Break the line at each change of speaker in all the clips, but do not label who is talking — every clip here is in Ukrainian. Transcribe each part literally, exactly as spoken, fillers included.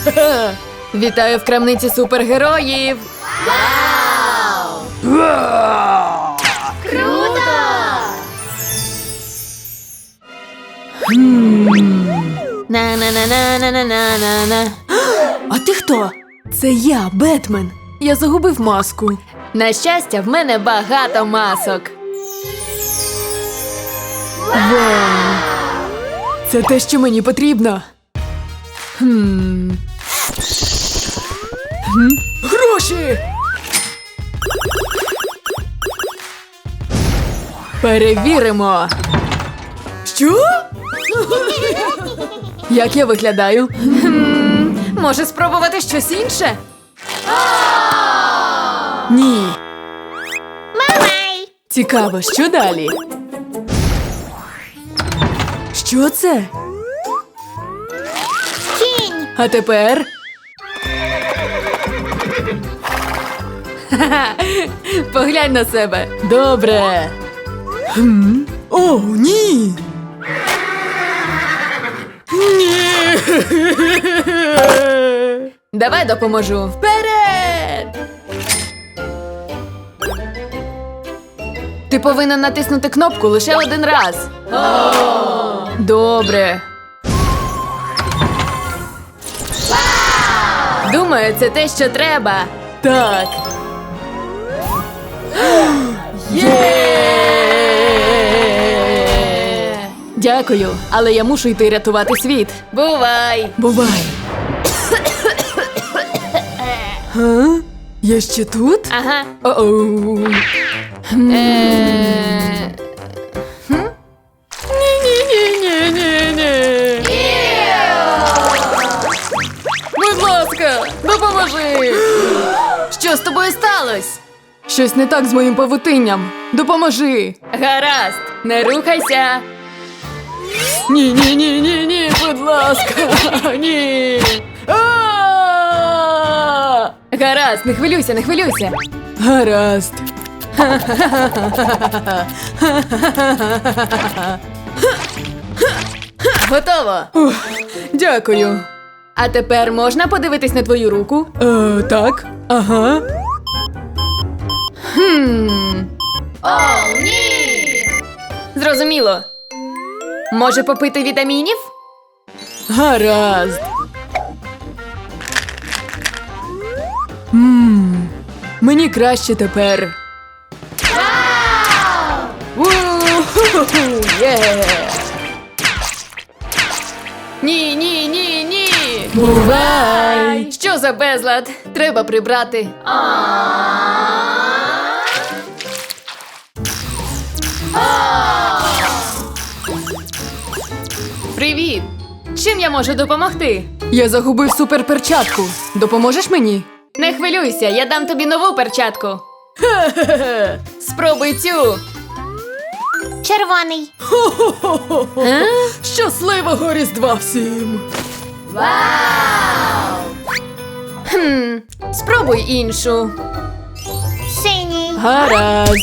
Вітаю в крамниці супергероїв!
Вау!
Круто!
На-на-на-на-на-на-на-на. А ти хто? Це я, Бетмен. Я загубив маску. На щастя, в мене багато масок. Вау! Це те, що мені потрібно. Хм. Хм? Гроші! Перевіримо. Що? Як я виглядаю? Хм, може спробувати щось інше? Ні.
Мамай!
Цікаво, що далі? Що це?
Кінь!
А тепер? Ха-ха, поглянь на себе. Добре. Хм? О, ні! Ні! Давай допоможу. Вперед! Ти повинен натиснути кнопку лише один раз. О! Добре. Думаю, це те, що треба. Так. Є! Дякую, але я мушу йти рятувати світ. Бувай! Бувай! Га? Я ще тут? Ага. О-оу. Е... Ні-ні-ні-ні-ні-ні. Будь ласка, допоможи! Що з тобою сталося? Щось не так з моїм павутинням. Допоможи! Гаразд, не рухайся! Ні-ні-ні-ні-ні, будь ласка! Ні! А-а-а! Гаразд, не хвилюйся, не хвилюйся! Гаразд! Готово! Ух, дякую! А тепер можна подивитись на твою руку? Е, так, ага. Хм.
О, ні!
Зрозуміло. Може попити вітамінів? Гаразд. Ммм, мені краще тепер.
Вау!
У-ху-ху-ху, є! Ні, ні, ні, ні! Бувай! Що за безлад? Треба прибрати. Привіт! Чим я можу допомогти? Я загубив суперперчатку. Допоможеш мені? Не хвилюйся, я дам тобі нову перчатку. Хе-хе-хе! Спробуй цю.
Червоний!
А? Щасливого Різдва всім!
Вау!
Хм, спробуй іншу.
Синій!
Гаразд.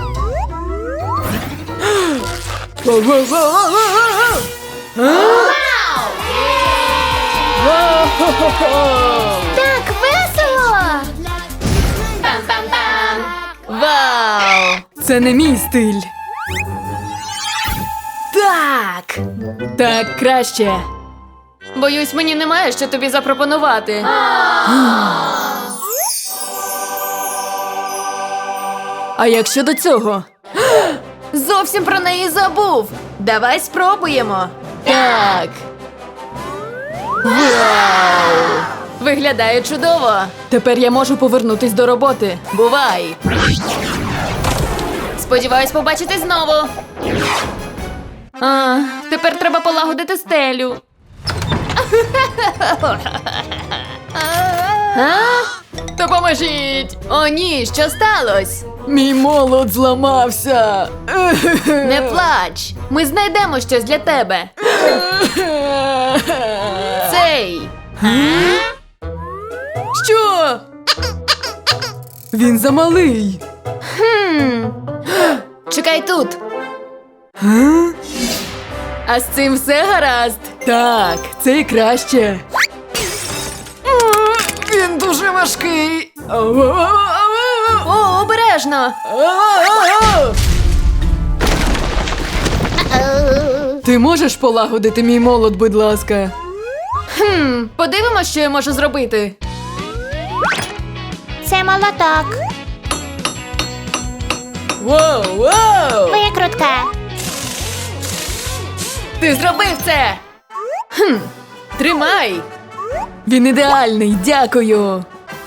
Воу-воу-воу-воу-воу-воу! А? Воу-хо-хо-хо!
Так весело!
Пам-пам-пам! Вау! Це не мій стиль. Так! Так краще. Боюсь, мені немає що тобі запропонувати. А як щодо цього? Зовсім про неї забув. Давай спробуємо. Так. Вау! Виглядає чудово. Тепер я можу повернутись до роботи. Бувай! Сподіваюсь побачити знову. А, тепер треба полагодити стелю. А? Допоможіть! О, ні, що сталося? Мій молот зламався. Не плач. Ми знайдемо щось для тебе. Цей. Що? Він замалий. Хм. Чекай тут. А з цим все гаразд? Так, це і краще. дуже важкий. О, обережно. Ти можеш полагодити мій молот, будь ласка? Хм, подивимось, що я можу зробити.
Це молоток.
Воу, воу!
Викрутка.
Ти зробив це! Хм, тримай! Він ідеальний, дякую!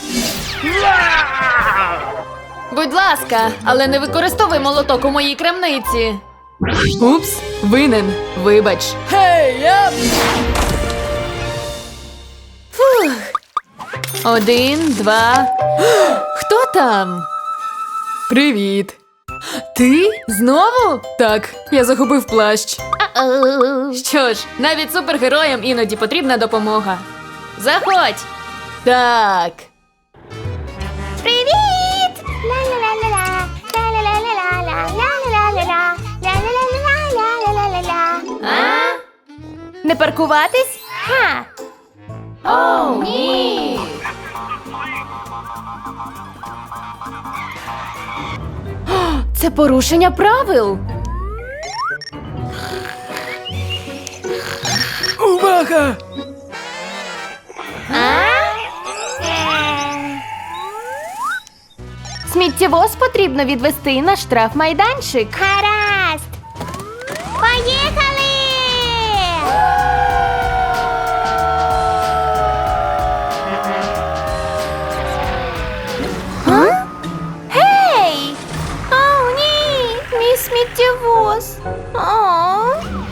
Будь ласка, але не використовуй молоток у моїй крамниці. Упс, винен, вибач. Гей, я... Фух. Один, два... Хто там? Привіт. Ти? Знову? Так, я загубив плащ.
Ау.
Що ж, навіть супергероям іноді потрібна допомога. Заходь! Так.
Привіт! Ла-ла-ла-ла-ла. Ла-ла-ла-ла-ла. Ла-ла-ла-ла-ла. Ла-ла-ла-ла-ла-ла-ла-ла.
А? Не паркуватись?
Ха.
О, ні! Це порушення правил. Увага! Сміттєвоз потрібно відвести на штрафмайданчик.
Гаразд. Поїхали!
А?
Гей! О, ні! Мій сміттєвоз. О.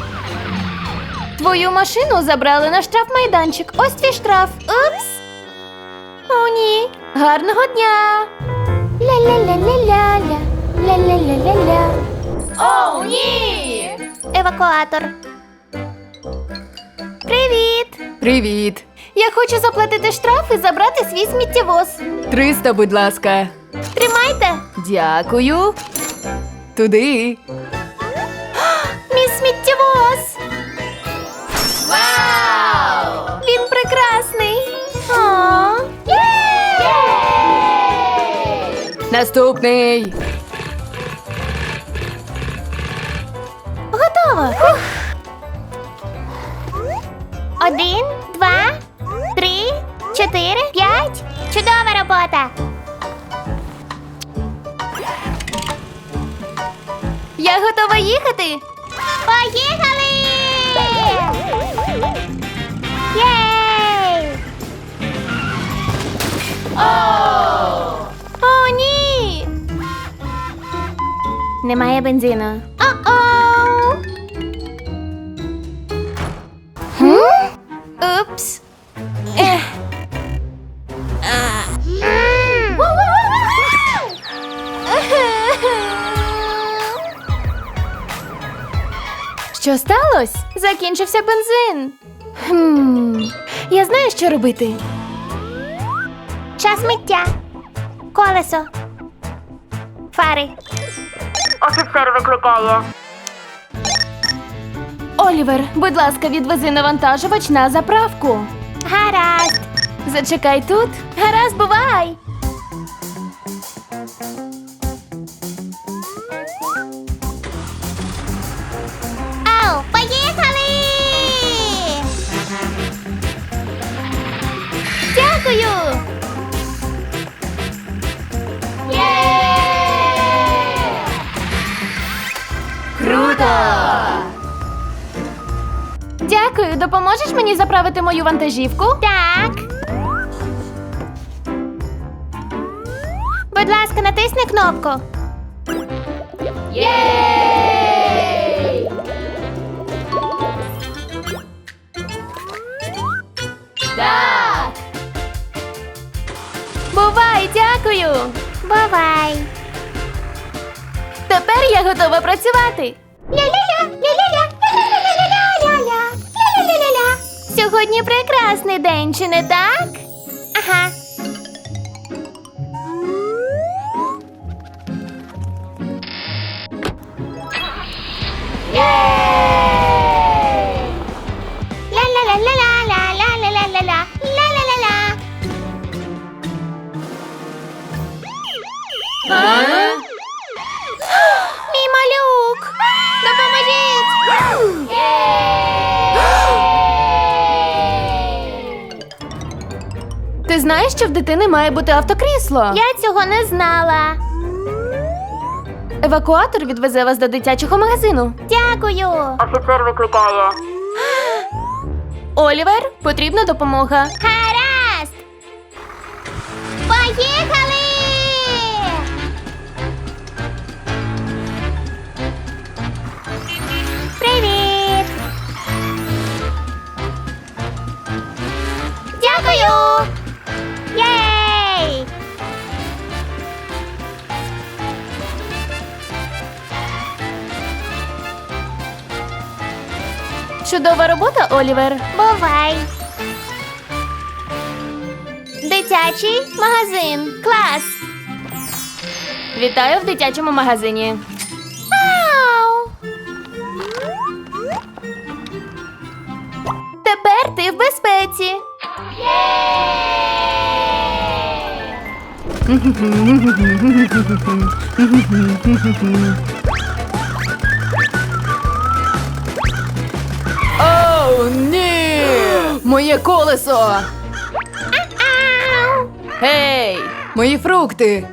Твою машину забрали на штрафмайданчик. Ось твій штраф.
Упс!
О, ні. Гарного дня.
Ля-ля-ля-ля-ля-ля. Ля-ля-ля-ля-ля.
О, ні!
Евакуатор. Привіт!
Привіт.
Я хочу заплатити штраф і забрати свій сміттєвоз.
Триста, будь ласка.
Тримайте!
Дякую. Туди.
Мій сміттєвоз!
Вау!
Він прекрасний! О!
Наступний.
Готово! Фух. Один, два, три, чотири, п'ять. Чудова робота!
Я готова їхати.
Поїхали! Єй! О, ні! Немає бензину. О-оу! Упс. Ех. М.
Що сталося?
Закінчився бензин.
Хм, я знаю, що робити.
Час миття. Колесо. Фари. Офіцер викликає.
Олівер, будь ласка, відвези навантажувач на заправку.
Гаразд.
Зачекай тут.
Гаразд, бувай. Ау, поїхали! Дякую!
Круто!
Дякую, допоможеш мені заправити мою вантажівку? Так. Будь ласка, натисни кнопку.
Єй! Так!
Бувай, дякую. Бувай.
Тепер я готова працювати.
Ля-ля-ля, ля-ля-ля, ля-ля-ля-ля-ля-ля, ля-ля-ля-ля. Сьогодні прекрасний день, чи не так? Ага. Ля-ля-ля-ля-ля-ля-ля-ля-ля-ля-ля-ля-ля-ля-ля. Ти знаєш, що в дитини має бути автокрісло? Я цього не знала. Евакуатор відвезе вас до дитячого магазину. Дякую.
Офіцер викликає.
Олівер, потрібна допомога. Гаразд! Поїхали! Привіт! Дякую! Єй! Чудова робота, Олівер. Бувай. Дитячий магазин. Клас. Вітаю в дитячому магазині. Вау! Тепер ти в безпеці.
Оу, ні! Моє колесо! Гей! Мої фрукти!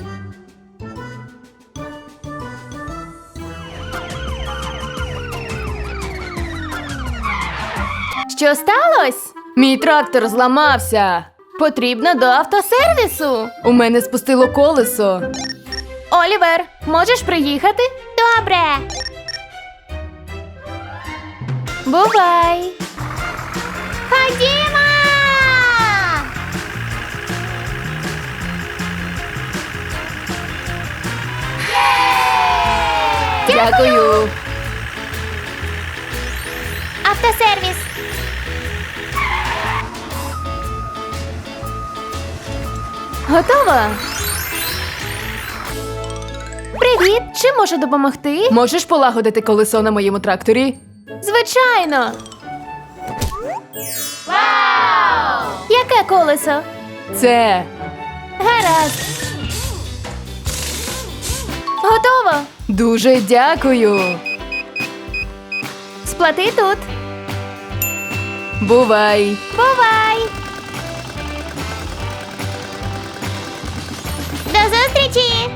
Що сталося?
Мій трактор зламався!
Потрібно до автосервісу.
У мене спустило колесо.
Олівер, можеш приїхати? Добре. Бувай. Ходімо!
Дякую!
Автосервіс. Готова? Привіт! Чим можу допомогти?
Можеш полагодити колесо на моєму тракторі?
Звичайно. Вау! Яке колесо?
Це.
Гаразд. Готово.
Дуже дякую!
Сплати тут.
Бувай!
Бувай! До зустрічі!